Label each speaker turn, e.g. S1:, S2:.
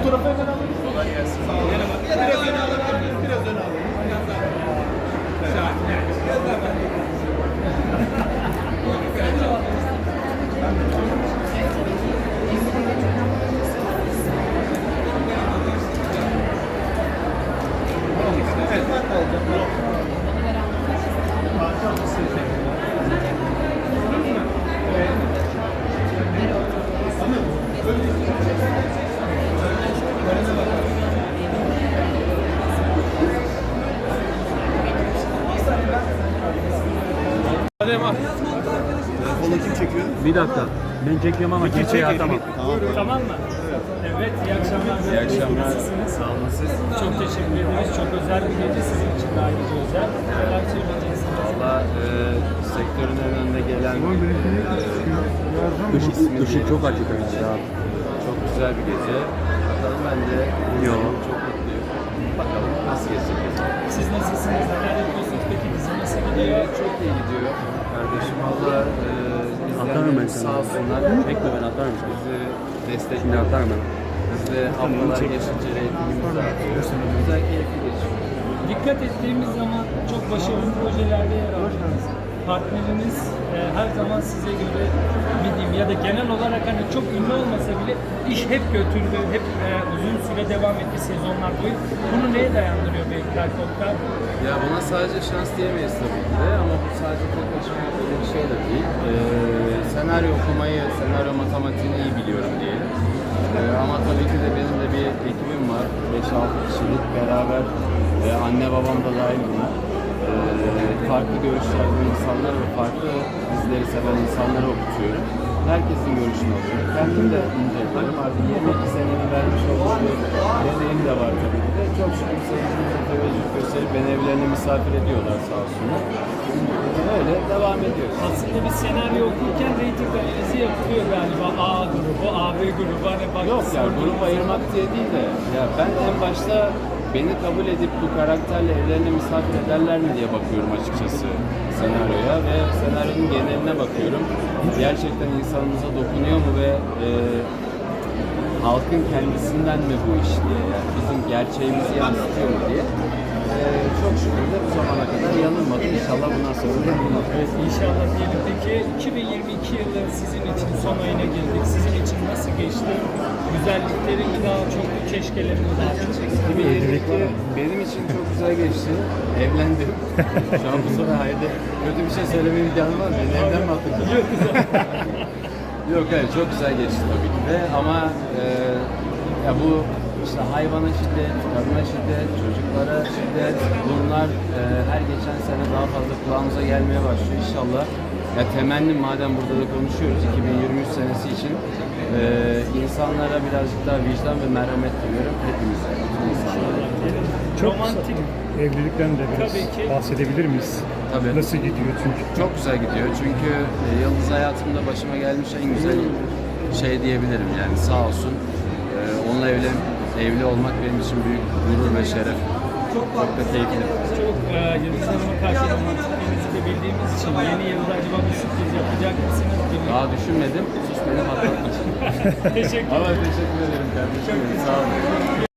S1: Fotoğrafı hemen alalım.
S2: Kolay gelsin.
S1: Biraz öne alabiliriz. Biraz öne alalım. Onu kim çekiyor?
S3: Bir dakika. Ben çekiyorum ama kimseye atamam.
S4: Tamam mı? Evet, iyi akşamlar.
S2: İyi akşamlar.
S4: Nasılsınız?
S2: Sağ olun siz.
S4: Çok teşekkür ederiz. Çok özel bir gece sizin için de ayrıca özel. Neler söyleyeceksiniz?
S2: Valla sektörün en önüne gelen
S3: Işık çok açık ya.
S2: çok güzel bir gece. Bakalım ben de çok mutluyum. Bakalım nasıl geçecek gece.
S4: Siz nasılsınız? Neler yapıyorsunuz? Peki dizi nasıl gidiyor?
S2: Çok iyi gidiyor. Kardeşim valla
S3: Atarım ben
S2: izleyenlerimiz
S3: sana.
S2: sağ olsunlar.
S3: Bekle ben atarım sana.
S2: Bizi
S3: Şimdi
S2: destekliyor.
S3: atarım ben.
S2: Biz de haftalar geçince reytingimizi artıyor. Güzel, keyifli geçiyor.
S4: Dikkat ettiğimiz zaman çok başarılı projelerde yer aldınız. Partneriniz her zaman size göre bildiğim ya da genel olarak hani çok ünlü olmasa bile iş hep götürdü, hep uzun süre devam etti sezonlar boyu. Bunu neye dayandırıyor Beylikler Toplar?
S2: Ya buna sadece şans diyemeyiz tabii ki de ama bu sadece tek başıma yaptığım bir şey de değil. Senaryo okumayı, senaryo matematiğini iyi biliyorum diyelim. Ama tabii ki de benim de bir ekibim var. 5-6 kişilik beraber anne babam da dahil buna. Farklı görüşlerde insanlar ve farklı dizileri seven insanlara okutuyorum. Herkesin görüşünü alıyorum. Kendim de inceliyorum. Artık 22 senemi vermiş olduğum bir deneyim de var tabii ki de. Çok şükür seyircimize teveccüh gösterip beni evlerine misafir ediyorlar sağ olsunlar. Öyle devam ediyoruz.
S4: Aslında bir senaryo okurken reyting analizi yapılıyor galiba. A grubu, AB grubu. Hani bak,
S2: Yok ya grup ayırmak diye değil de ya ben en başta beni kabul edip bu karakterle evlerine misafir ederler mi diye bakıyorum açıkçası senaryoya ve senaryonun geneline bakıyorum. Gerçekten insanımıza dokunuyor mu ve halkın kendisinden mi bu iş diye yani bizim gerçeğimizi yansıtıyor mu diye. Çok şükür de bu zamana kadar yanılmadı. İnşallah bundan sonra da yanılmaz.
S4: Evet, inşallah diyelim. Peki 2022 yılı sizin için son ayına girdik. Sizin için nasıl geçti? Güzellikleri mi daha çok, keşkeleri mi daha çok?
S2: 2022 benim için çok güzel geçti. Evlendim. Şu an bu sonra haydi kötü bir şey söylemeye imkanı var mı? Beni evden mi attın?
S4: Yok, güzel.
S2: Yok hayır çok güzel geçti tabii ki de ama ya bu işte hayvana şiddet, kadına şiddet, çocuklara şiddet bunlar her geçen sene daha fazla kulağımıza gelmeye başlıyor inşallah. Ya temennim madem burada da konuşuyoruz 2023 senesi için insanlara birazcık daha vicdan ve merhamet diliyorum hepimize, bütün insanlara.
S5: Çok
S4: Romantik.
S5: Evlilikten de biraz
S4: Tabii ki.
S5: bahsedebilir miyiz?
S2: Tabii.
S5: Nasıl gidiyor çünkü?
S2: Çok güzel gidiyor çünkü yıldız hayatımda başıma gelmiş en güzel şey diyebilirim yani sağ olsun. Onunla evli olmak benim için büyük gurur ve şeref. Çok da keyifli.
S4: Çok Yıldız Hanım'a karşı romantikliğinizi de bildiğimiz için yeni yılda acaba bir sürpriz yapacak mısınız? Bilmiyorum.
S2: Daha düşünmedim. Sus beni patlatmasın.
S4: Teşekkür ederim.
S2: Ama teşekkür ederim kardeşim. Sağ olun.